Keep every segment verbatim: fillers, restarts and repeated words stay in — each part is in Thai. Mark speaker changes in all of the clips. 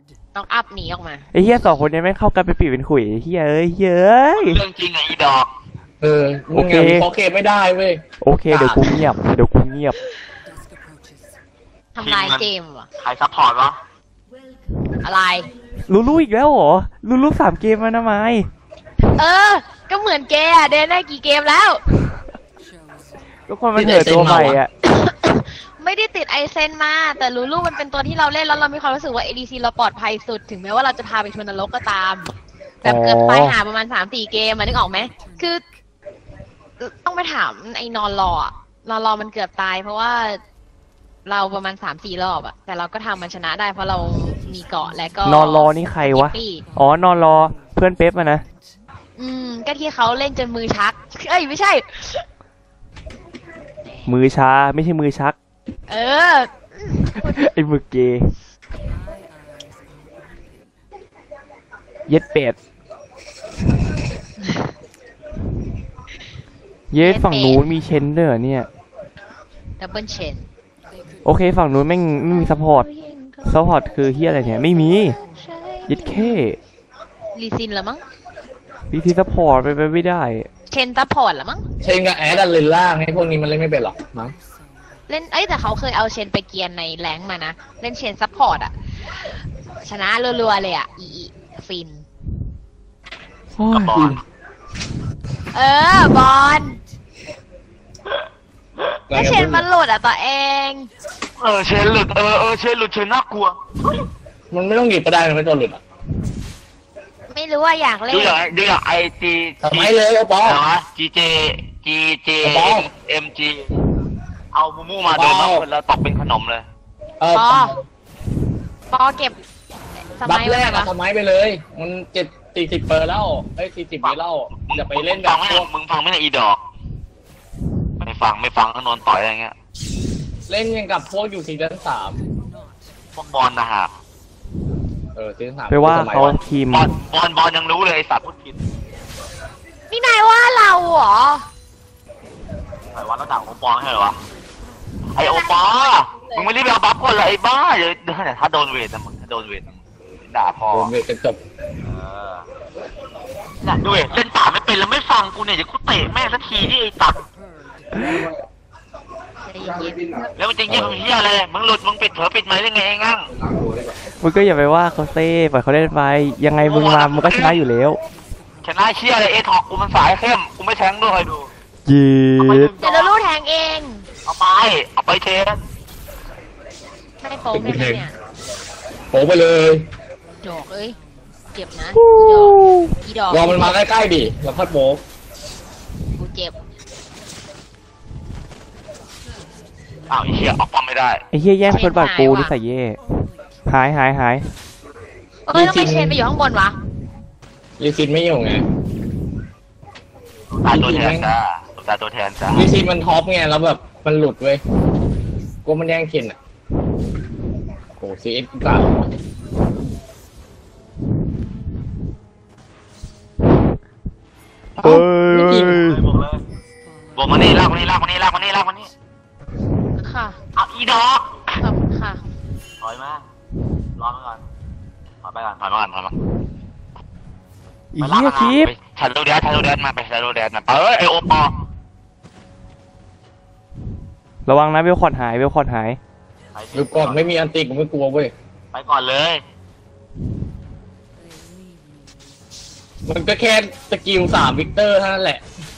Speaker 1: ต้องอัพหนีออกมา
Speaker 2: ไอ้เหี้ยสองคนนี้ไม่เข้ากันไปปีเป็นขุยไอ้เหี้ยเอ้ยเย้ย
Speaker 3: เรื่องจริงไงอีดอก
Speaker 4: เออโอเคโอเคไม่ได้เว้ย
Speaker 2: โอเคเดี๋ยวกูเงียบเดี๋ยวกูเงียบ
Speaker 1: ทำลายเกมวะ
Speaker 3: ใครซัพพอร์ตวะ
Speaker 1: อะไร
Speaker 2: ลูลูอีกแล้วเหรอลูลูสามเกมมานะไม
Speaker 1: เออก็เหมือนแกอะเดินได้กี่เกมแล้ว
Speaker 2: ทุกคนมันเถิดตัวใหม่อ่ะ
Speaker 1: ไม่ได้ติดไอเซนมาแต่ลูลูมันเป็นตัวที่เราเล่นแล้วเรามีความรู้สึกว่า เอ ดี ซี เราปลอดภัยสุดถึงแม้ว่าเราจะพาไปชนนรกก็ตามแบบเกิดไฟหาประมาณ สามสี่ เกมมานึกออกไหมคือต้องไปถามไอ้นอนรออะนอนรอมันเกือบตายเพราะว่าเราประมาณ สามสี่ รอบอะแต่เราก็ทำมันชนะได้เพราะเรามีเกาะและก็
Speaker 2: นอนรอนี่ใครวะอ๋อนอนรอเพื่อนเป๊ปมานะ
Speaker 1: อืมก็ที่เขาเล่นจนมือชักเอ้ยไม่ใช่
Speaker 2: มือชาไม่ใช่มือชัก
Speaker 1: เออ
Speaker 2: ไอ้มือเกย์เย็ดเป็ดเย็ดฝั่งนู้นมีเชนเดอร์เนี่ย
Speaker 1: ดับเบิลเชน
Speaker 2: โอเคฝั่งนู้นไม่ไม่มีซัพพอร์ตซัพพอร์ตคือเฮียอะไรเนี่ยไม่มีเย็ดแค่
Speaker 1: ลีซินเหรอมั้ง
Speaker 2: ลีซินซัพพอร์ตไปไปไม่ได้
Speaker 1: เชนซัพพอร์ตเหรอมั้ง
Speaker 4: เชนกับแอดดันเลนล่างให้พวกนี้มันเล่นไม่เป็นหรอกมั้ง
Speaker 1: เล่นเอ้ยแต่เขาเคยเอาเชนไปเกียนในแรงมานะเล่นเชนซัพพอร์ตอะชนะรัวๆเลยอะอีฟิน
Speaker 3: บอล
Speaker 1: เออบอลถ้าเชนมันหลุดอะตัวเอง
Speaker 3: เออเชนหลุดเออเออเชนหลุดเชนน่ากลัว
Speaker 4: มันไม่ต้องหยิบก็ได้มันไม่ต้องหลุดอ่ะ
Speaker 1: ไม่รู้ว่าอยากเล่น
Speaker 3: ดูอย่างดูอย่างไอจี
Speaker 4: ทำไมเลยโอปอ
Speaker 3: เหรอจีเจจีเจเอ็มจีเอามูมูมาเดินมาคนแล้วตกเป็นขนมเลย
Speaker 4: เออ
Speaker 1: ปอปอเก็บ
Speaker 4: บัฟแรกอะสมัยไปเลยมันเจ็ดสี่สิบเปอร์แล้วไอ้สี่สิบไปแล้วจะไปเล่นแบบพวก
Speaker 3: มึงฟังไม่ได้อีดอกไม่ฟังไม่ฟังก็นอนต่อยอะไรเงี้ย
Speaker 4: เล่นยังกับพวกอยู่ซีซั่นสาม
Speaker 3: พวกบอลนะฮะ
Speaker 4: เออซีซั่นสาม
Speaker 2: ไปว่าเขาทีม
Speaker 3: บอลบอลบอลยังรู้เลยไอ้สัตว์พูดผิด
Speaker 1: นี่นายว่าเราเหรอ
Speaker 3: ไอ้วันเราด่าโอปอลใช่เหรอวะไอโอปอลมึงไม่รีบเอาบัฟก่อนเลยไอ้บ้าเดี๋ยวถ้าโดนเวทนะมึงถ้าโดนเวทด่าพอ
Speaker 4: โดนเวทจะจบ
Speaker 3: น่ะด้วยเล่นป่าไม่เป็นแล้วไม่ฟังกูเนี่ยจะกูเตะแม่สักทีที่ไอ้ตัดแล้วมันจะเยี่ยมเฮียอะไรมึงหลุดมึงปิดเผลอปิดไหมได้ไงงั้ง
Speaker 2: มึงก็อย่าไปว่าเขาเซ่ปล่อยเขาเล่นไปยังไงมึงมามึงก็ชนะอยู่แล้ว
Speaker 3: ชนะเชี่ยอะไรเอทอกกูมันสายเข้มกูไม่แทงด้วยดู
Speaker 2: ยีด
Speaker 1: เดี๋ยวเราลู่แทงเอง
Speaker 3: เอาไปเอาไปเทน
Speaker 1: ไม่โป๊ไม่เนี่ย
Speaker 4: โป๊ไปเลย
Speaker 1: ดอกเอ้ยเจ็บนะ
Speaker 4: ดอกอีดอกรอมันมาใกล้ๆดิแล้วพัดโป๊
Speaker 1: กูเจ็บ
Speaker 3: อ้าวไอ้เหี้ยออกปั๊มไม่ได้
Speaker 2: ไอ้เหี้ยแย่งคนบาดกูนี่ใส่เย่หายหายหาย
Speaker 1: เอ้ยต้องไปเชนไปอยู่ข้างบนวะ
Speaker 4: ลีซินไม่อยู่ไง
Speaker 3: ตาตัวแทนจ้าตาตัวแทนจ้า
Speaker 4: ลีซินมันท็อปไงแล้วแบบมันหลุดเว้ยกูมันแย่งเคนอ่ะโอ้ซีเอสกล่าว
Speaker 2: เอ้ย
Speaker 3: บอกมานี่ลากมานี่ลากมานี่ลากมานี่ลากมานี่
Speaker 1: ค่ะ
Speaker 3: เอาอีดอก
Speaker 1: ค่ะ
Speaker 3: ถอยมารอมาก่อนถอยไปก่อนถอยมาก่อนถอยมา
Speaker 2: อีเหี้ยคลิป
Speaker 3: ชันโรเดนชันโรเดนมาไปชันโรเดนมาเอ้ยไอโอปอ
Speaker 2: ระวังนะเวลคอร์ดหายเวลคอร์ดหาย
Speaker 4: หรือก่อนไม่มีอันติกูไม่กลัวเว้ย
Speaker 3: ไปก่อนเลย
Speaker 4: มันก็แค่สกิลสามวิกเตอร์เท่านั้นแหละ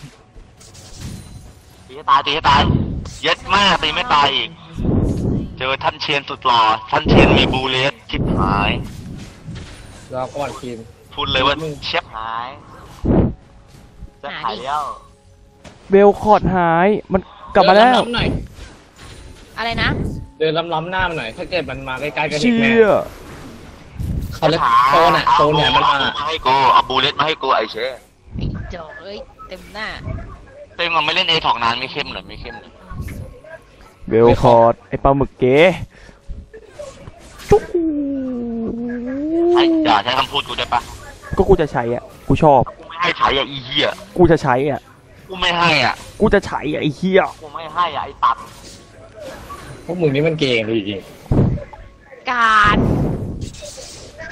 Speaker 3: ตีให้ตายตีให้ตายเย็ดมากตีไม่ตายอีกเจอท่านเชียนสุดหล่อท่านเชียนมีบูเลสชิบหาย
Speaker 4: รอก่อนทีม
Speaker 3: พูดเลยว่าเชฟหายจะหายแล้ว
Speaker 2: เบลคอร์ดหายมันกลับมาแล้ว
Speaker 1: อะไรนะ
Speaker 4: เดินล้ำๆหน้ามันหน่อยถ้าเกิดมันมาใกล้ๆกันอีกแม่เขาเลยโซนอ่ะโซนเนี่ยมันมา
Speaker 3: ให้กูเอาบูเลสมาให้กูไอเชฟ
Speaker 1: ไอ้จอกเอ้ยเต็มหน้า
Speaker 3: เต็มมันไม่เล่นเอถอกนานไม่เข้มเลยไม่เข้มเลย
Speaker 2: เบลคอร์ดไอปลาหมึกเก๋จุ๊ก
Speaker 3: ไอ้อย่าใช้คำพูดกูได้ปะ
Speaker 2: ก็กูจะใช้อ่ะกูชอบ
Speaker 3: กูไม่ให้ใช้อ่ะอีเหี้ย
Speaker 2: กูจะใช้อ่ะ
Speaker 3: กูไม่ให้อ่ะ
Speaker 2: กูจะใช้อ่ะไอ้เหี้ย
Speaker 3: กูไม่ให้อ่ะไอ้ตัด
Speaker 4: พวกมึงนี่มันเก่งจริง
Speaker 1: การ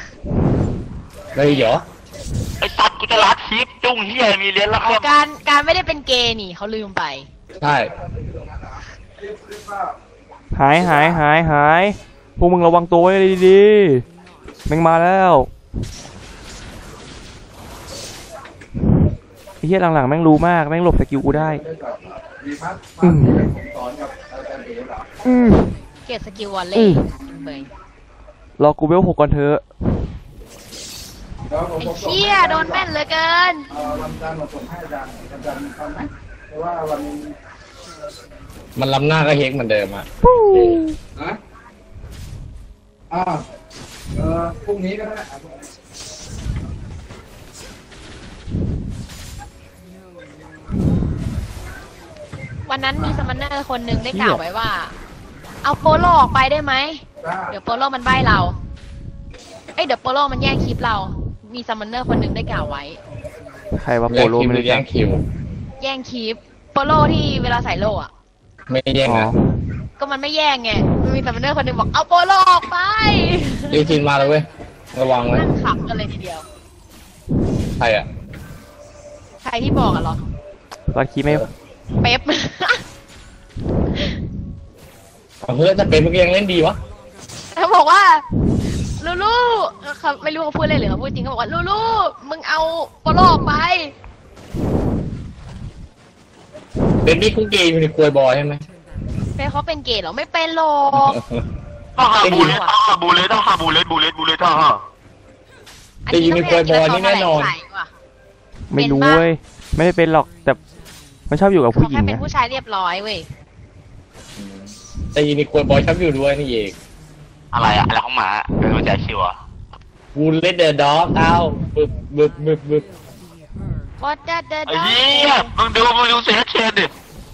Speaker 4: เลยเดี๋ยว
Speaker 3: ไอ้ตัดกูจะรัดคลิปจุ้งเฮียมีเลี้ยนแล้วก็
Speaker 1: การการไม่ได้เป็นเกย์นี่เขาลืมไป
Speaker 4: ใช่
Speaker 2: หายหายหายหายพวกมึงระวังตัวไว้ดีๆแม่งมาแล้วไอ้เหี้ยหลังๆแม่งรู้มากแม่งหลบสกิลกูได้อืมอืม
Speaker 1: เกตสกิลวอล
Speaker 2: อื
Speaker 1: เล่
Speaker 2: ม
Speaker 1: เบย
Speaker 2: รอกูเวลหกก่อนเถอะ
Speaker 1: ไอ้เชี่ยโดนแม่นเหลือเกิน
Speaker 4: มันล้ำหน้าก็เฮกเหมือนเดิมอะ
Speaker 5: นะอ่าเออพรุ่งนี้ก็ได้
Speaker 1: วันนั้นมีสมันเนอร์คนหนึ่งได้กล่าวไว้ว่า เอาโปโลออกไปได้ไหม เดี๋ยวโปโลมันใบ้เรา เอ้ยเดี๋ยวโปโลมันแย่งคลิปเรา มีสมันเนอร์คนหนึ่งได้กล่าวไว้
Speaker 2: ใครว่าโป
Speaker 4: แย่ง
Speaker 2: โล
Speaker 4: คิว
Speaker 2: ไม่
Speaker 4: หรื
Speaker 2: รู้
Speaker 4: อ
Speaker 2: จั
Speaker 4: แย่
Speaker 2: ก
Speaker 4: งคิว
Speaker 1: แย่งคลิป โปโลที่เวลาใส่โลอะ
Speaker 4: ไม่แย่ง
Speaker 2: อ๋อ
Speaker 4: อะ
Speaker 1: ก็มันไม่แย่งไงมันมีสมันเนอร์คนหนึ่งบอกเอาโปโลออกไป
Speaker 4: รีทินมาแล้วเว้ยระวังไว้
Speaker 1: นั่งขำกันเลยทีเดียว
Speaker 4: ใครอะ
Speaker 1: ใครที่บอกอะเหรอ
Speaker 2: รัดคีไม่
Speaker 1: เป๊ป
Speaker 4: เอาเฮ้ยแต่เป็นเมื่อกี้ยังเล่นดีวะ
Speaker 1: เขาบอกว่าลูลูเขาไม่รู้เขาพูดอะไรหรือเขาพูดจริงเขาบอกว่าลูลูมึงเอาโปโลออกไป
Speaker 4: เป็นนี่คุกเกย์อยู่ในควยบอยใช่ไหม
Speaker 1: เป๊ปเขาเป็นเกย์เหรอไม่เป็นหรอก
Speaker 3: ต้องหาบูเลตต้องหาบูเลตต้องหาบูเลตบูเลตบูเลตต้องหา
Speaker 4: แต่อยู่ในควยบอยนี่แน่นอน
Speaker 2: ไม่รู้เว้ยไม่ได้เป็นหรอกแต่มันชอบอยู่กับ
Speaker 1: เขา
Speaker 2: ผู้หญิ
Speaker 1: แค่
Speaker 2: ง
Speaker 1: เป็น
Speaker 2: นะ
Speaker 1: ผู้ชายเรียบร้อยเว้ย
Speaker 4: แต่อยู่ในควยบอยชอบอยู่ด้วยนี่เอง
Speaker 3: อะไรอะอะไรของหมาเป็นหัวใจชิวอะ
Speaker 4: กูเล่นเดอะด็อกเอาบึบบึบบึบบึบ
Speaker 1: What that the
Speaker 3: ไอ้เหี้ยมึงดูมึงดูเสียเชนดิ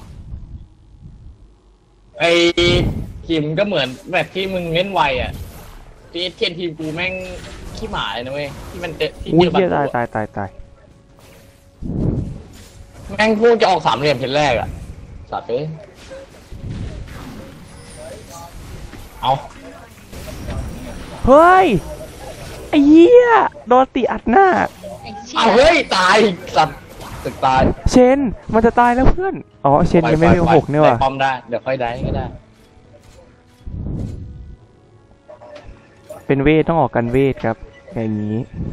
Speaker 4: ไอ้คิมก็เหมือนแบบที่มึงเล่นไวอ่ะที่เทียนทีมกูแม่งขี้หมาเลยนะเว้ยที่มันเจอที่
Speaker 2: อุ้
Speaker 4: เจ
Speaker 2: ย
Speaker 4: อบัต
Speaker 2: เหี้ย
Speaker 4: ร
Speaker 2: ตายตายตายตาย
Speaker 4: แม่งพูดจะออกสามเหลี่ยมเพนแรกอ่ะสัตว์เอ้ยเอา
Speaker 2: เฮ้ยไอ้เหี้ยโดนตีอัดหน้า
Speaker 1: ไอ้เชี่ย
Speaker 4: เอาเฮ้ยตายสัตว์ตึกตาย
Speaker 2: เชนมันจะตายแล้วเพื่อนอ๋อเชนยังไม่มีหกเนี่ยว่ะ
Speaker 4: ได้ป้อมได้เดี๋ยวค่อยได้ก็ได้
Speaker 2: เป็นเวทต้องออกกันเวทครับอย่างนี้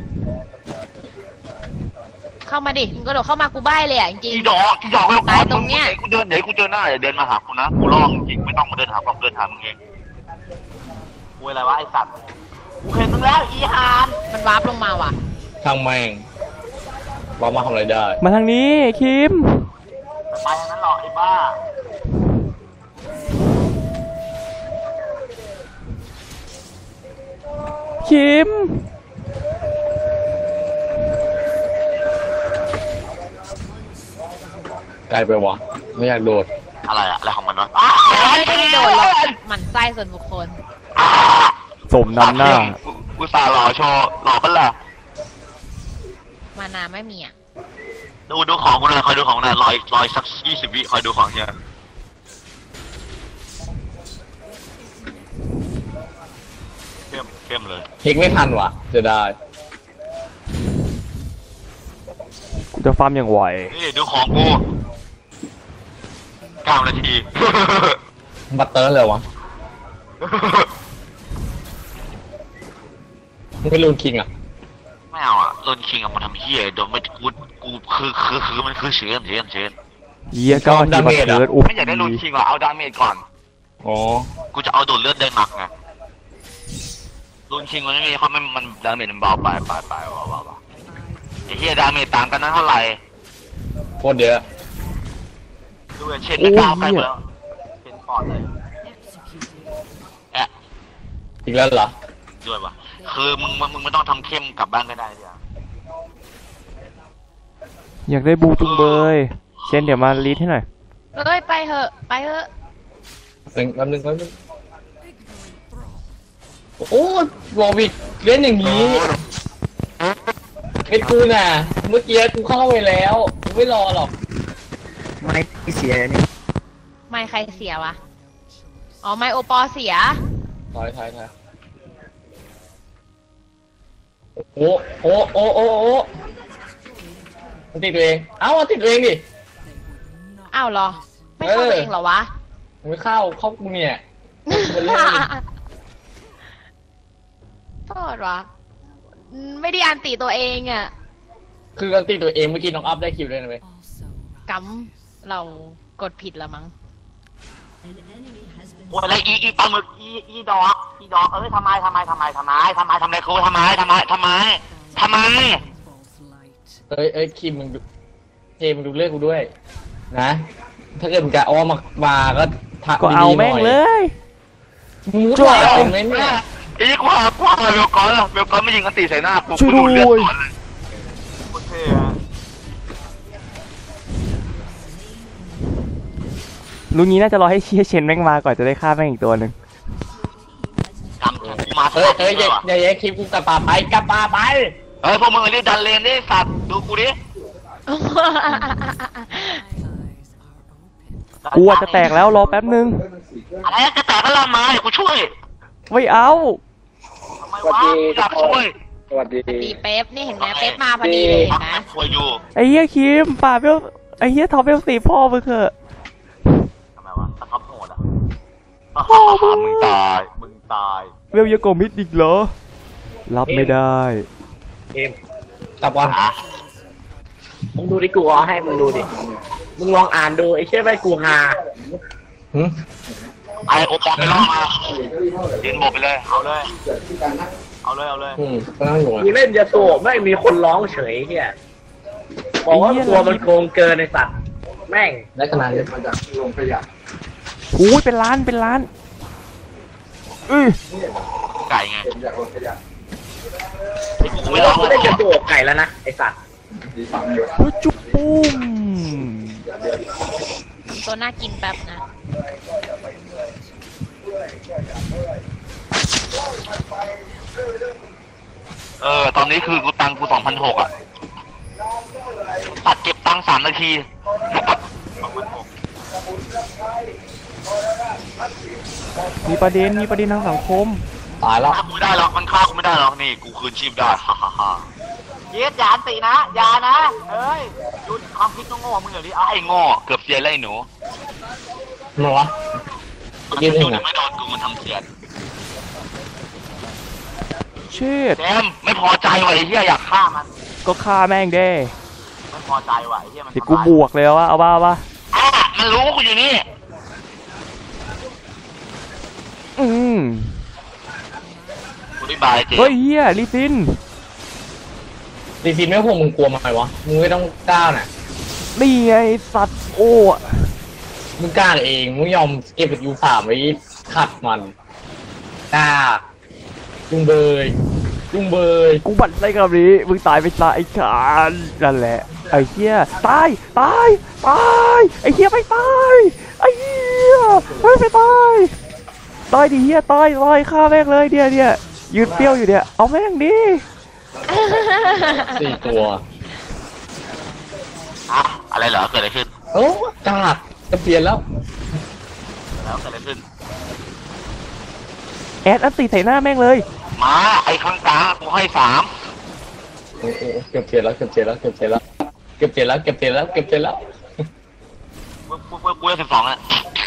Speaker 1: เข้ามาดิมึงก็โดดเข้ามากูใบ้เลยอ่ะจริง
Speaker 3: อีดอกอีดอกไม่
Speaker 1: ตายตรงเนี้ย
Speaker 3: กูเดินเดี๋ยวกูเจอหน้าเดี๋ยวเดินมาหากูนะกูร้องจริงไม่ต้องมาเดินหาความเดินหามึงเองกูอะไรวะไอ้สัตว์กูเห็นมึงแล้วอีหาน
Speaker 1: ๆมันวาร์ปลงมาว่ะ
Speaker 4: ช่างแม่งเรามาทำอะไรได้
Speaker 2: มาทางนี้คิม
Speaker 3: ไปทางนั้นหรอกไอ้บ้า
Speaker 2: คิม
Speaker 4: ไกลไปวะไม่อยากโดด
Speaker 3: อะไรอะอะไรของมันวะ
Speaker 1: ไม่ได้โดดหรอกหมันไส้ส่วนบุคคล
Speaker 2: สมน้ำหน้า
Speaker 3: กูสาหล่อโชว์หล่อปะล่ะ
Speaker 1: มานาไม่มีอ่ะ
Speaker 3: ดูดูของกูเลยคอยดูของหน่อยรออีกรออีกสักยี่สิบวิคอยดูของเฮียเข้มเข้มเลย
Speaker 4: เฮกไม่ทันว่ะจะได้
Speaker 2: กูจะฟาร์มอย่างไหว
Speaker 3: นี่ดูของกูเก้านาที
Speaker 4: บัตเตอร์เลยวะมึงไม่รูนคิงอ่ะ
Speaker 3: ไม่เอาอ่ะโดนคิงเอามาทำเฮียโดนไม่กูกูคือคือคือมันคือเชื้อเชื้อเชื้อ
Speaker 2: เยี่ยก็ทีบัตเทิร์ดอุ๊
Speaker 3: ไม่อยากได้โดนคิงอ่ะเอาดาเมจก่อน
Speaker 4: อ๋อ
Speaker 3: กูจะเอาโดนเลือดได้หนักไงโดนคิงมันไม่มีเขาไม่มันดาเมจมันเบาไปไปไปเบาเบาเบาไอ้เฮียดาเมจต่างกันนั้นเท่าไหร่
Speaker 4: โคตรเยอะ
Speaker 3: ดูเช่นไม่กล้าไปหมดแล้วเช่นปอดเลยแอะ
Speaker 4: อีกแล้วเหรอ
Speaker 3: ด้วยวะคือมึงมึงมึงไม่ต้องทำเข้มกลับบ้านก็ได้เดี๋ยว
Speaker 2: อยากได้บูจุงเบยเชนเดี๋ยวมาลีดให้หน่อย
Speaker 1: เอ้ยไปเถอะไปเถอะ
Speaker 4: หนึ่งแป๊บนึงแป๊บนึงโอ้วอวิกเล่นอย่างนี้เป็นกูน่ะ เมื่อกี้กูเข้าไปแล้วกูไม่รอหรอก
Speaker 6: ไม่เสียนี่
Speaker 1: ไม่ใครเสียวะอ๋อไม่โอปอเสีย
Speaker 4: ถอยถอยถอยโอ้โอ้โอ้โอ้โอ้มันติดตัวเองเอ้ามันติดตัวเองดิ
Speaker 1: อ้าวเหรอ ไม่เข้าตัวเองเหรอวะ
Speaker 4: มึงไม่เข้าเข้ากูเนี่ยมันเล่น
Speaker 1: โทษวะอืมไม่ได้อันตีตัวเองอ่ะ
Speaker 4: คือการติดตัวเองเมื่อกี้น้องอัพได้คิวด้วยนะเว้ย
Speaker 1: กำเรากดผิดละมั้ง
Speaker 3: โอ้ยอะไรอีอีปลาหมึกอีอีดอกอีดอกเอ้ยทำไมทำไมทำไมทำไมทำไมทำไมครูทำไมทำไมทำไมทำไม
Speaker 4: เอ้ยเอ้ยคิมมึงดูเจมึงดูเลือกกูด้วยนะถ้าเกิดมึงจะอ้อมมามาก็ทัก
Speaker 2: ก็เอาแม่งเลย
Speaker 4: มึงรู้ว่าเป็นไหมเนี่ย
Speaker 3: อีกว่าว่าเบลกอนเบลกอนไม่ยิงกันตีใส่หน้ากู
Speaker 2: ช่วย
Speaker 3: กูดูเลือด
Speaker 2: ด้วย
Speaker 3: ก่อนเลยโคตรเท่อะ
Speaker 2: ลุงนี้น่าจะรอให้เชียเชนแม่งมาก่อนจะได้ฆ่าแม่งอีกตัวหนึ่ง
Speaker 3: กำกูมา
Speaker 4: เอ้ยเอ้ยอย่าอย่าแย่คลิปกูกลับป่าไปกลับป่าไป
Speaker 3: เฮ้ยพวกมึงรีบดันเลนดิสัตว์ดูกูดิ
Speaker 2: กูอาจจะแตกแล้วรอแป๊บนึง
Speaker 3: อะไรจะแตกก็ลามมาเดี๋ยวกูช่วย
Speaker 2: ไม่เอา
Speaker 3: ทำไมวะอยากช่วย
Speaker 6: สวัสดี
Speaker 1: ตีเป๊ปนี่เห็นไหมเป๊ปมาพอดีเลยเห็นไหม
Speaker 3: ช่วยอยู่
Speaker 2: ไอ้เหี้ยคิมป่าเบลไอ้เหี้ยท็อปเบลสีพ่อมึงเถอะ
Speaker 3: ทำไมวะตะท็อปโหดอ่ะ
Speaker 2: พ่อมึง
Speaker 3: มึงตายมึงตาย
Speaker 2: เบลยังโกมิดอีกเหรอรับไม่ได้
Speaker 6: เอ็ม
Speaker 4: กลับก่อน
Speaker 3: อ่ะ
Speaker 6: มึงดูดิกูเอาให้มึงดูดิ มึงลองอ่านดูไอ้เชี่ยใบกูฮา
Speaker 4: หึ
Speaker 3: ไอโอปอลไปล่อมายืนโบกไปเลยเอาเลยเอาเลยเอาเลย
Speaker 4: อืมก็นั่งอยู่
Speaker 6: กูเล่นยาโตะไม่มีคนร้องเฉยเฮียบอกว่าตัวมันโกงเกินในสัตว์แม่ง
Speaker 4: ได้ขนาดนี้
Speaker 5: มาจากโรงขยะ
Speaker 2: หูยเป็นล้านเป็นล้านอือ
Speaker 3: ไก่ไง
Speaker 5: เป็นจากโรงขยะ
Speaker 3: ที่กูไม่รอ
Speaker 6: กูเล่นยาโตะไก่แล้วนะไอสัตว์
Speaker 5: ดีฟังอยู่
Speaker 2: เฮ้ยจุ๊บปุ้ม
Speaker 1: ตัวน่ากินแป๊บนะ
Speaker 3: เออตอนนี้คือกูตังกูสองพันหกอ่ะตัดเก็บตังสามนาทีสองพันหก
Speaker 2: มีประเด็นมีประเด็นทางสังคม
Speaker 4: ตายแล้ว
Speaker 3: ฆ่ากูไม่ได้หรอกมันฆ่ากูไม่ได้หรอกนี่กูคืนชีพได้ฮ่าฮ่าฮ่าเย็ดอย่าอันตีนะอย่านะเอ้ยหยุดความคิดโง่ๆมึงเดี๋ยวนี้ไอ้โง่เกือบเสียเลยไอ้หนู
Speaker 4: มาวะ
Speaker 3: มัน
Speaker 4: ยืนหนึ่
Speaker 3: ดู
Speaker 4: งอ่ะ
Speaker 3: ไม่โดนกูมันทำเสียด
Speaker 2: เชิด
Speaker 3: แจมไม่พอใจว่ะไอ้เหี้ยอยากฆ่ามัน
Speaker 2: ก็ฆ่าแม่งเด้
Speaker 3: ไม่พอใจว่ะไอ้เหี้ยมัน
Speaker 2: เดี๋ยวกูบวกเลยว่าเอาบ้าปะ
Speaker 3: อ่ะมันรู้ว่ากูอยู่นี่
Speaker 2: อืม
Speaker 3: กูได้บายเจม
Speaker 2: เฮ้ยเฮียลิซิน
Speaker 4: จริงๆไม่พวกมึงกลัวมันไหมวะมึงไม่ต้องกล้าน่ะ
Speaker 2: นี่ไงสัตว์โอ้
Speaker 4: มึงกล้าเองมึงยอมเก็บยูสามไว้ขัดมันกล้าจุงเบยจุงเบย
Speaker 2: กูบั่นไส้กับนี้มึงตายไปตายไอ้ชานนั่นแหละไอ้เฮียตายตายตายไอ้เฮียไม่ตายไอ้เฮียไม่ไปตายตายดิเฮียตายตายฆ่าแม่งเลยเดียวเดียวยืนเปรี้ยวอยู่เนี่ยเอาแม่งดิ
Speaker 4: สี่ตัว
Speaker 3: อ่ะอะไรเหรอเกิดอะไรขึ้น
Speaker 4: โอ้กล้าจะเปลี่ยนแล้ว
Speaker 3: แล้วเกิดอะไรขึ้น
Speaker 2: แอดอันตีใส่หน้าแม่งเลย
Speaker 3: มาไอ้ข้างกลางกูให้สาม
Speaker 4: โอ้โหเกือบเปลี่ยนแล้วเกือบเปลี่ยนแล้วเกือบเปลี่ยนแล้วเกือบเปลี่ยนแล้วเกือบเปลี่ยนแล้วเกือบเปลี่ยนแล้ว
Speaker 3: กูกูกูกูได้สิบสองแล้ว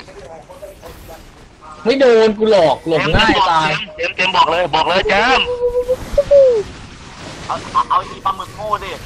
Speaker 4: ไม่โดนกูหลอกหลบง่ายตาย
Speaker 3: เจมเจมบอกเลยบอกเลยเจมเอาเอาเอาอีปลาหมึกโง่ดิ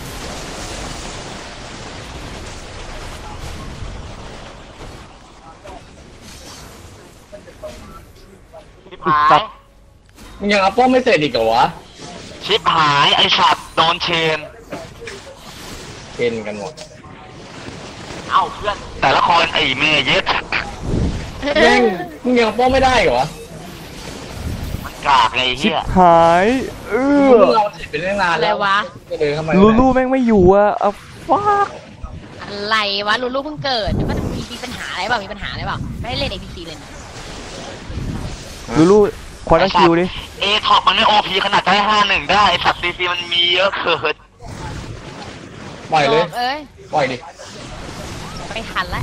Speaker 3: ชิบหาย
Speaker 4: มึงยังอัพป้อมไม่เสร็จอีกเหรอวะ
Speaker 3: ชิบหายไอ้สัตว์โดนเชน
Speaker 4: เช่นกันหมด
Speaker 3: เอ้าเพื่อนแต่ละคนไอ้เมย์เย็ด
Speaker 4: แม่งมึงยังอัพป้อมไม่ได้เหรอ
Speaker 3: มันกากไงไอ้
Speaker 2: ชิบ
Speaker 3: เหี้ย
Speaker 2: หายเออ
Speaker 4: มึงเราเสร็จไปตั้งนาน
Speaker 1: อะไร
Speaker 4: แล้ว
Speaker 1: วะ
Speaker 4: ก็เดินเข้ามา
Speaker 2: ลูลูแม่งไม่อยู่อะเอาฟัก
Speaker 1: อะไรวะลูลูเพิ่งเกิดมันมีมีปัญหาอะไรเปล่ามีปัญหาอะไรเปล่าไม่ให้เล่น เอ พี ซี เลยนะ
Speaker 2: ลูลูควอนตัมคิวดิ
Speaker 3: เอท็อปมันไม่โอพีขนาดได้ห้าหนึ่งได้ไอ้สัตว์ซีซีมันมีเยอะเกิน
Speaker 4: ปล่อยเลย
Speaker 1: โเอ้ย
Speaker 4: ปล่อยดิ
Speaker 1: ไปทันละ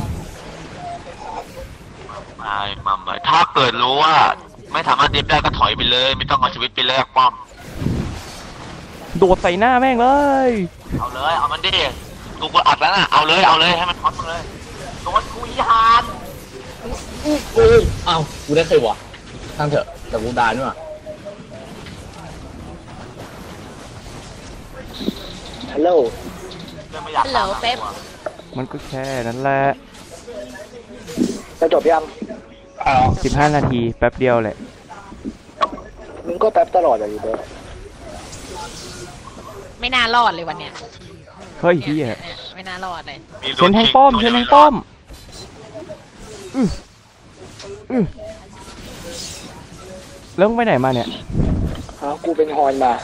Speaker 3: ไม่มาไม่ถ้าเกิดรู้ว่า ไม่สามารถเดฟได้ก็ถอยไปเลย ไม่ต้องเอาชีวิตไปแลกป้อม
Speaker 2: โดดใส่หน้าแม่งเลย
Speaker 3: เอาเลยเอามันดิกูกดอัดแล้วน่ะเอาเลยเอาเลยให้มันท็อตมึงเลยโดนกูอีหาน
Speaker 4: อู้อู้เอ้ากูได้เคยวะทั้งเถอะแต่กูดานด้วย
Speaker 6: ฮัลโหล
Speaker 3: เรื่องไม่อยาก
Speaker 1: ฮัลโหลเป๊ป
Speaker 2: มันก็แค่นั้นแหละ
Speaker 6: จะจบยัง
Speaker 4: อ้าว
Speaker 2: สิบห้านาทีแป๊บเดียวแหละ
Speaker 6: มึงก็แป๊บตลอดเลยเด้อ
Speaker 1: ไม่น่ารอดเลยวันเนี้ย
Speaker 2: เฮ้ยเฮีย
Speaker 1: เนี่ยไม่น่ารอดเลย
Speaker 3: มี
Speaker 2: เชนแทงป้อมเชนแทงป้อมอืออือแล้วมึงไปไหนมาเนี่ย
Speaker 6: ฮะกูเป็นฮอนมา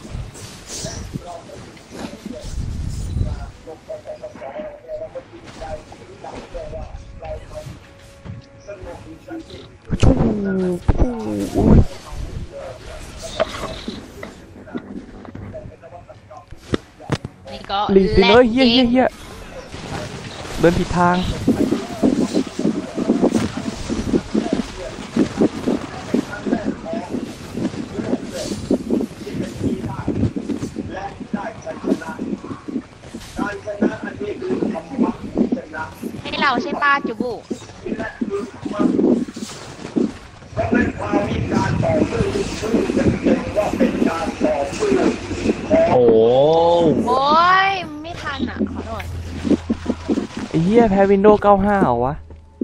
Speaker 2: ชูฟูอุ้ย
Speaker 1: นี่ก็
Speaker 2: ลีสิเลยเฮียเฮียเฮียเดินผิดทาง
Speaker 1: ให้เราใช่ป้าจูบู
Speaker 4: โอ้
Speaker 1: โอ้ยไม่ทันอ่ะขอโทษ
Speaker 2: ไอ้เฮียแพ้วินโดว์เก้าสิบห้าเหรอวะ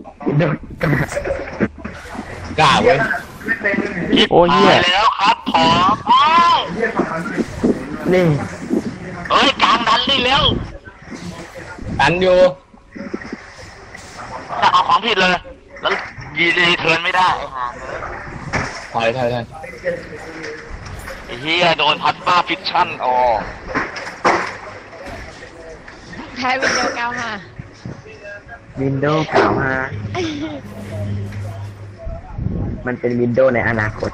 Speaker 4: กล้าเว้ย
Speaker 2: โอ้เหี้ย
Speaker 3: ตายแล้วครับผอโอ้ย
Speaker 6: นี่
Speaker 3: เอ้ยกลางดันนี่เร็ว
Speaker 4: อันอยู่
Speaker 3: จะเอาของผิดเลย แล้วยีรีเทิร์นไม่ได้ไอ้ห่าเลย
Speaker 4: ถอยถอยถอย
Speaker 3: ไอ้เฮียโดนพัดมาฟิชชั่นอ๋อ
Speaker 1: แพ้วินโดว์เก้าห้า
Speaker 6: วินโดว์เก่าฮะมันเป็นวินโดว์ในอนาคต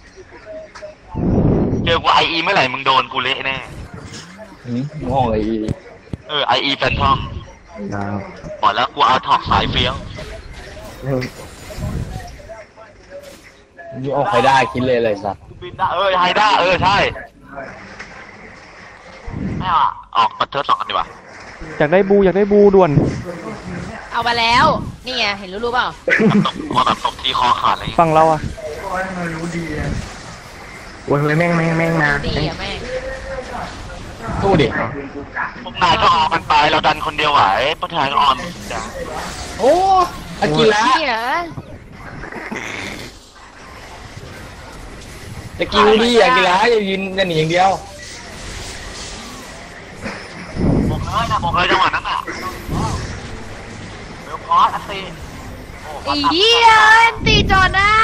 Speaker 3: เจอกูไออีเมื่อไหร่มึงโดนกูเละแน่
Speaker 4: หืมมองอะไรอีก
Speaker 3: เออไออีแฟนทอม
Speaker 6: ดาว
Speaker 3: บอกแล้วกูเอาถอกสายเฟี้ยว
Speaker 4: นี่ออกใครได้คิดเลยเลยสัตว์
Speaker 3: บินได้เออไฮด้าเออใช่ไม่เอาอะออกมาเทิร์สองกันดีกว่า
Speaker 2: อยากได้บูอยากได้บูด่วน
Speaker 1: เอามาแล้ว นี่ไงเห็นรู้รู้เปล่า
Speaker 3: ตบมาแบบตบทีคอขาดอะไรอย่างเงี้ย
Speaker 2: ฝั่งเราอะ
Speaker 6: โอ้ยแม่งแม่งแม่งมา
Speaker 1: ดีอะแม่ง
Speaker 4: ตู้ดิ
Speaker 3: พวกนายก็ออกกันไปเราดันคนเดียวไหวพวกนายก็ออนจ้ะ
Speaker 4: โอ้อากิระ
Speaker 1: นี่เหรอ
Speaker 4: ตะกิ้วดิอากิระอย่ายืนอย่าหนีอย่างเดียว
Speaker 3: บอกเลยนะบอกเลยจังหวะนั้นอ่ะเบลคอสอัตตีโอ้
Speaker 1: ไอ้เหี้ยตีจอหน้า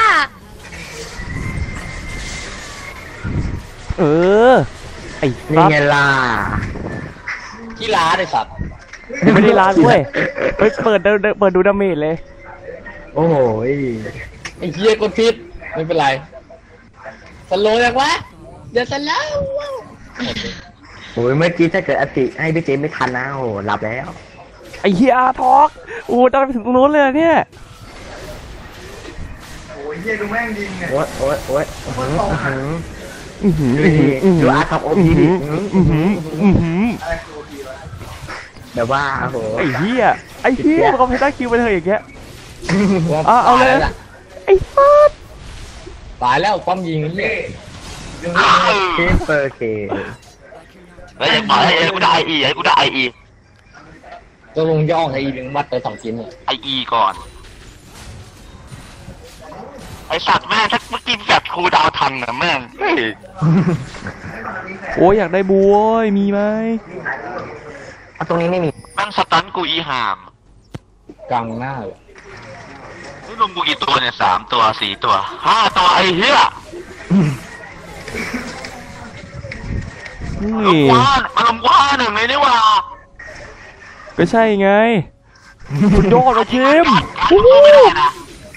Speaker 2: เออ ไอ้
Speaker 6: นี่
Speaker 2: ซับ
Speaker 6: ไงล่ะ
Speaker 4: กีฬาเลยสัตว์
Speaker 2: ไม่ได้ร้านด้วยไปเปิดดูเปิดดูดาเมจเลย
Speaker 6: โอ้โหย
Speaker 4: ไอ้เหี้ยกดพิษไม่เป็นไรสโลว์ยังวะเดี๋ยวสโลว์
Speaker 6: โอ้ยเมื่อกี้ถ้าเกิดอติให้พี่เจมไม่ทันนะโอ้โหหลับแล้ว
Speaker 2: ไอ้เฮียอาร์ทอกโอ้ตอนไปถึงตรงนู้นเลยอะเนี่ย
Speaker 6: โอ้ยโอ้ยโอ้ยโอ้ยอื้อหือ
Speaker 2: อื้อหือ
Speaker 6: ดูดิดูอาร์ทอกโอพีดิ
Speaker 2: อื้อหืออื้อหือ
Speaker 6: แบบว่าโอ้โห
Speaker 2: ไอ้เฮียไอ้เฮียมันก็เพชรคิวไปเลยอย่างเงี้ย อ่ะเอาเลย ไอ้ซัด
Speaker 4: ตายแล้วป้อมยิงเหี้ย
Speaker 6: เคเปอร์เค
Speaker 3: แล้วยังบอกให้กูได้ไออีให้กูได้ไออี
Speaker 4: ตัวลงย่องไอ้อีนึงมัดไปสองชิ้นเนี่ย
Speaker 3: ไออีก่อน ไอสัตว์แม่งถ้าเมื่อกี้แบบครูดาวทันนะแม่งเฮ้ย
Speaker 2: โอ้ยอยากได้บูโว้ยมีไหม
Speaker 6: เอาตรงนี้ไม่มี
Speaker 3: แม่งสตันกูอีห่าม
Speaker 4: กลางหน้าเลย
Speaker 3: นี่รวมกูกี่ตัวเนี่ยสามตัวสี่ตัวห้าตัวไอ้เหี้ย
Speaker 2: นี่
Speaker 3: ลงกว้านมาลงกว้านหนึ่งเลยนี่หว่า
Speaker 2: ก็ใช่ไงสุดยอดเลยคิม
Speaker 3: กูสู้ไม่ได้นะ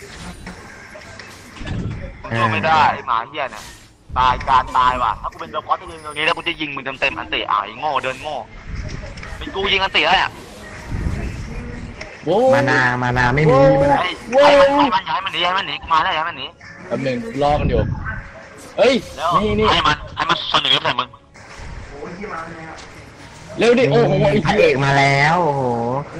Speaker 3: กูสู้ไม่ได้ไอ้หมาเหี้ยเนี่ยตายการตายว่ะถ้ากูเป็นเดอะคอสจะยิงตรงนี้แล้วกูจะยิงมึงเต็มๆอันเตะอ่ะไอ้โง่เดินโง่เป็นกูยิงอันเตะแล้วเนี่ย
Speaker 4: โว้
Speaker 6: มานามานาไม่มีมานา
Speaker 3: ไอ้ไอ้มันไอ้มันย้ายมันหนีย้ายมันหนีกูมาแล้วย้ายมันหนี
Speaker 4: แป๊บหนึงรอกันอยู่เฮ้ย
Speaker 3: แล้ว
Speaker 4: นี่นี่
Speaker 3: ให้มันให้มันเสนอใส่มึง
Speaker 4: เร็วดิโอ้โหไอ้
Speaker 7: พระเอกมาแล้วโอ้โห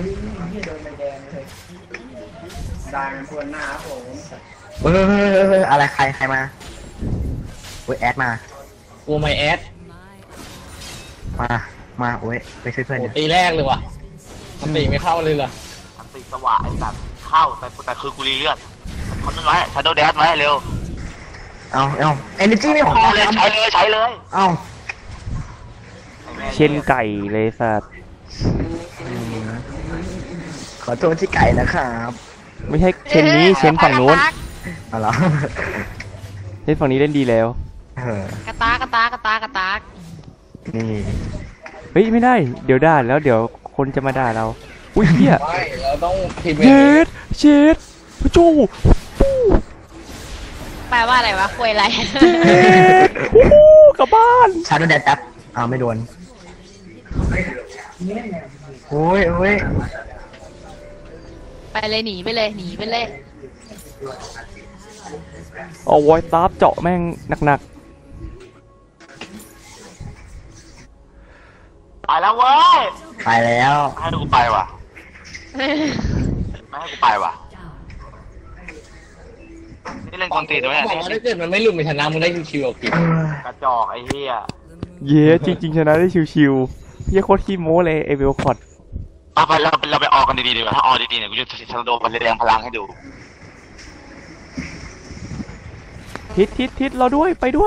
Speaker 5: ดังควรหน้าผม
Speaker 7: เอออะไรใครใครมาโอ้ยแอดมา
Speaker 4: กลัวไมแอด
Speaker 7: มามาโอ้ยไปช่วยเพื่อน
Speaker 4: โอ้
Speaker 7: เดี๋ยว
Speaker 4: ตีแรกเลยว่ะมันตีไม่เข้าเลยเหรอ
Speaker 3: มันติดสว่างไอ้สัตว์เข้าแต่แต่คือกูรีเลือดทำนั้นไว้ชาโดว์แดนไว้เร็ว
Speaker 7: เอาเอาเอเนจีไม่พอ
Speaker 3: ใช้
Speaker 7: เล
Speaker 3: เลย ยใช้เลยใช้เลย
Speaker 7: เอา
Speaker 2: เช่นไก่เลยสัตว์
Speaker 7: ขอโทษที่ไก่นะครับ
Speaker 2: ไม่ใช่เช่นนี้เช่นฝั่งนู้น
Speaker 7: เอาเหรอ
Speaker 2: เช่นฝั่งนี้เล่นดีแล้ว
Speaker 7: เออก
Speaker 1: ระตากกระตากกระตากกระตาก
Speaker 7: นี่
Speaker 2: เฮ้ยไม่ได้เดี๋ยวด่าแล้วเดี๋ยวคนจะมาด่าเราอุ้ยเฮีย
Speaker 4: ไม่เราต้องพิมพ์
Speaker 2: เย็ดเช็ดพระจู
Speaker 1: แปลว่าอะไรวะคุยอะไร
Speaker 2: เย็ดโอ้โหกลับบ้าน
Speaker 7: ชาร์จแดดแป๊บอ้าวไม่โดนโอ้ยโอ้ย
Speaker 1: ไปเลยหนีไปเลยหนีไปเลย
Speaker 2: เอาไว้ตาบเจาะแม่งหนัก
Speaker 3: ไปแล้วเว้ย
Speaker 7: ไปแล้ว
Speaker 3: ให้กูไปว่ะไม่ให้กูไปว่ะนี่เล่นกวนตีนตัว
Speaker 4: บ
Speaker 3: เนี่ย
Speaker 4: อกว่าถ้าเกิดมันไม่หลุดไปชนะมึงได้ชิวๆเอากิน
Speaker 3: กระจอกไอ้เหี้ย
Speaker 2: ๆเย้จริงๆชนะได้ชิวๆเฮียโคตรขี้โม้เลยไอเวลคอร์ด
Speaker 3: เอาไปเราเราไปออกกันดีๆดีกว่าถ้าออกดีๆเนี่ยกูจะชาโดว์มันแสดงพลังให้ดู
Speaker 2: ทิศทิศทิศเราด้วยไปด้วย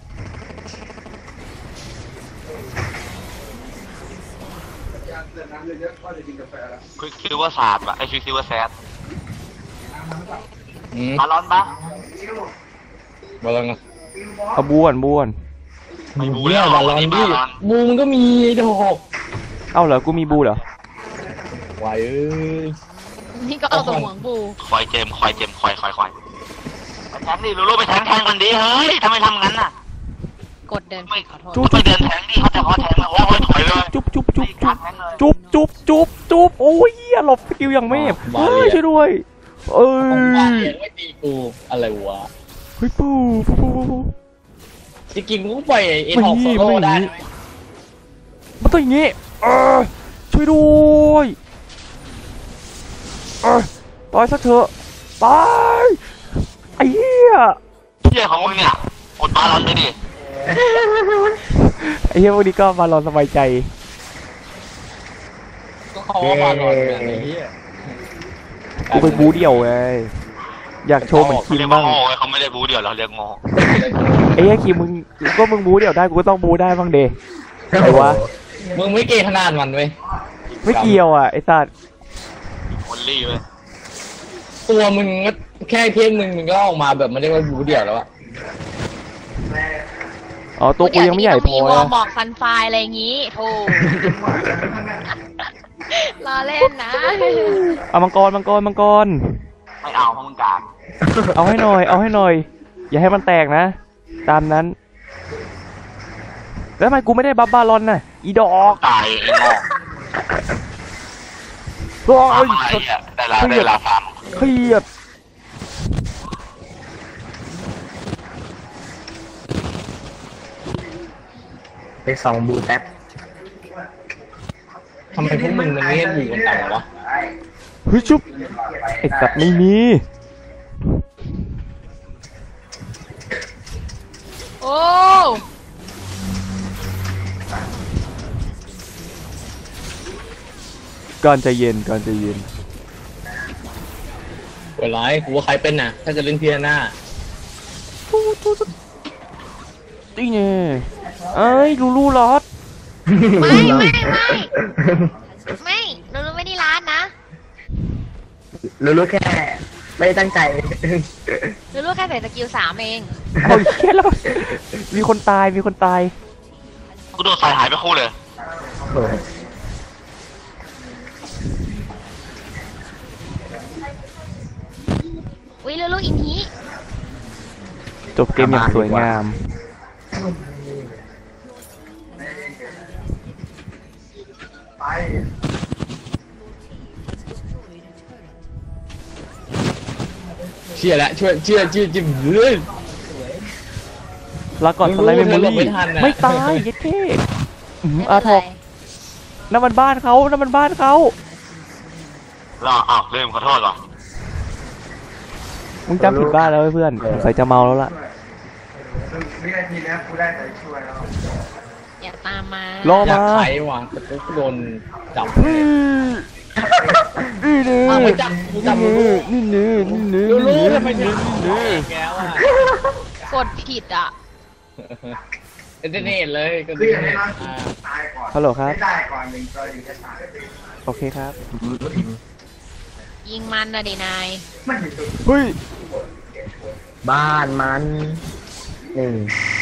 Speaker 3: คือคิวว่าศาสตร์ว่ะไอ้คิวคิวว่าแซด
Speaker 4: อืม
Speaker 3: บาลอนปะ
Speaker 4: บอลลอน
Speaker 2: เอาบ้วนบ้วน
Speaker 3: ไม่บู
Speaker 4: เนี่
Speaker 3: แล้
Speaker 4: ยวบอลลอนดิบูมันก็มีดอก
Speaker 2: เอ้าเหรอกูมีบูเหรอ
Speaker 4: ไหวเอ้ย
Speaker 1: นี่ก็เอาตัวหวงบู
Speaker 3: คอยเจมคอยเจมคอยคอยคอยไปแทงดิลูลูไปแทงแทงกันดิเฮ้ยทำไมทำงั้นน่ะ
Speaker 1: กดเดิน
Speaker 3: ไม่
Speaker 1: ขอโทษ
Speaker 3: ไปเดินแทงดิเขาจะเขาแทงมาโอ้ยถอยเลย
Speaker 2: จุ๊บจุ๊บจุ๊บจุ๊บจุ๊บจุ๊บจุ๊บจุ๊บโอ้ยเหี้ยหลบสกิลอย่างเมฟเฮ้ยช่วยด้วยเอ้
Speaker 4: ของบ้าน
Speaker 2: ย
Speaker 4: เรียนไม่ตีกูอะไรวะ
Speaker 2: เฮ้ยปูปูปูปู
Speaker 4: จริงๆกูก็ปล่อยไอ้ทองโซโล่ได้นะ
Speaker 2: มันต้องอย่างงี้เออช่วยด้วยเออตายสักเถอะตายไอ้เหี้ย
Speaker 3: เที่ยของมึงเนี่ยอดบาลอนไปดิ
Speaker 2: ไอ้เหี้ยพวกนี้ก็มาลองสบายใจ
Speaker 4: ก็เขาว่าบอลลอนเนี่ยไอ้เหี้ย
Speaker 2: กูไปบูเดี่ยวไงอยากโชว์เหมือนคิม
Speaker 3: เรียกว่า
Speaker 2: บ้าง
Speaker 3: โง่ไงเขาไม่ได้บูเดียวเราเรียกโง่
Speaker 2: ไอ้เหี้ยคิมมึงก็มึงบูเดี่ยวได้กูก็ต้องบูได้บ้างเดไอ้วะ
Speaker 4: มึงไม่เกย์ขนาดมันเว้ย
Speaker 2: ไม่เกี่ยวอ่ะไอ้สัตว์
Speaker 3: คนรีเว้ย
Speaker 4: ตัวมึงก็แค่เทียนมึงมึงก็ออกมาแบบไม่ได้ว่าบูเดี่ยวแล้วอะ
Speaker 2: อ๋อตัวกูยังไม่ใหญ่พอ
Speaker 1: มีวอ
Speaker 2: นะ
Speaker 1: ลบอกซันไฟอะไรอย่างงี้โธ่รอเล่นนะ
Speaker 2: เอามังกรมังกรมังกร
Speaker 3: ไม่เอาเพราะมึงกาก
Speaker 2: เอาให้หน่อยเอาให้หน่อย อย่าให้มันแตกนะ ตามนั้น แล้วทำไมกูไม่ได้บัฟบาลอนน่ะอีดอก
Speaker 3: ตายไอ้โง่
Speaker 2: โอ้
Speaker 3: ฟาร์
Speaker 2: ย
Speaker 3: มอะไรอ่ะได้ละได้ละฟาร์ม
Speaker 2: เครียด
Speaker 7: ไปส่องบูแท็บ
Speaker 4: ทำไมพวกมึงมันไม่ให้บูกันต่างวะ
Speaker 2: เฮ้ยชุบไอ้สัตว์ไม่มี
Speaker 1: โอ้
Speaker 2: ก่อนใจเย็นก่อนใจเย็น
Speaker 4: เวลากูว่าใครเป็นน่ะ ถ้าจะเล่นเพียหน้า
Speaker 2: ตีเนี่ยเอ้ยลูลูลอด
Speaker 1: ไม่ไม่ไม่ไม่เราไม่ได้ร้านนะ
Speaker 7: รู้ๆแค่ไม่ได้ตั้งใจ
Speaker 1: เราลูกแค่ใส่สกิลสามเอง
Speaker 2: เอาแค่แล้วมีคนตายมีคนตาย
Speaker 3: กูโดนสายหายไปคู่เลย
Speaker 7: โอ้ย
Speaker 1: อุ้ยเราลูกอินที
Speaker 2: จบเกมอย่างสวยงาม
Speaker 4: เชื่อแล้วช่วยเชื่อเชื่อจิ้มเฮ้ย
Speaker 2: แล้วก่อนสไลด์เมมโม
Speaker 4: ไม่รู้
Speaker 2: รี่
Speaker 4: ไม่ทันน่ะ
Speaker 2: ไม่ตายเย็ดเท่อื้อหืออาทอกนั่นมันบ้านเขานั่นมันบ้านเขา
Speaker 3: รออ้าวลืมขอโทษว่ะ
Speaker 2: มึงจำผิดบ้านแล้วเว้ยเพื่อนใส่จะเมาแล้วล่ะ
Speaker 5: วินาทีนี้กูได้แต่ช่วยแล้ว
Speaker 1: อย่าตามมาร
Speaker 2: อ
Speaker 4: อยาก
Speaker 2: มา
Speaker 4: ไขว่ะแต่กูโดนจับ
Speaker 2: นี่นี่นี่
Speaker 4: อ้าวไม่จับกูจับลูลู
Speaker 2: นี่นี่นี่นี่
Speaker 4: ลูลู
Speaker 2: นี่
Speaker 4: ทำไมจับกูแกว่ะ
Speaker 1: กดผิดอ่ะ
Speaker 4: เอนเตอร์เน็ตเลยก็
Speaker 5: คือ
Speaker 4: เอ
Speaker 5: อย่าง
Speaker 4: เท
Speaker 5: นี้
Speaker 4: อร์
Speaker 5: นะ
Speaker 4: เน็ตอ่า
Speaker 5: ตายก่อน
Speaker 2: ฮัลโหลครับ
Speaker 5: ไม่ได้ก่อนหนึ่งตัวถึงจะตาย
Speaker 2: โอเคครับ
Speaker 1: ยิงมันนะดินาย
Speaker 5: ไม่เห็นตัว
Speaker 2: เฮ้ย
Speaker 7: บ้านมันหนึ่ง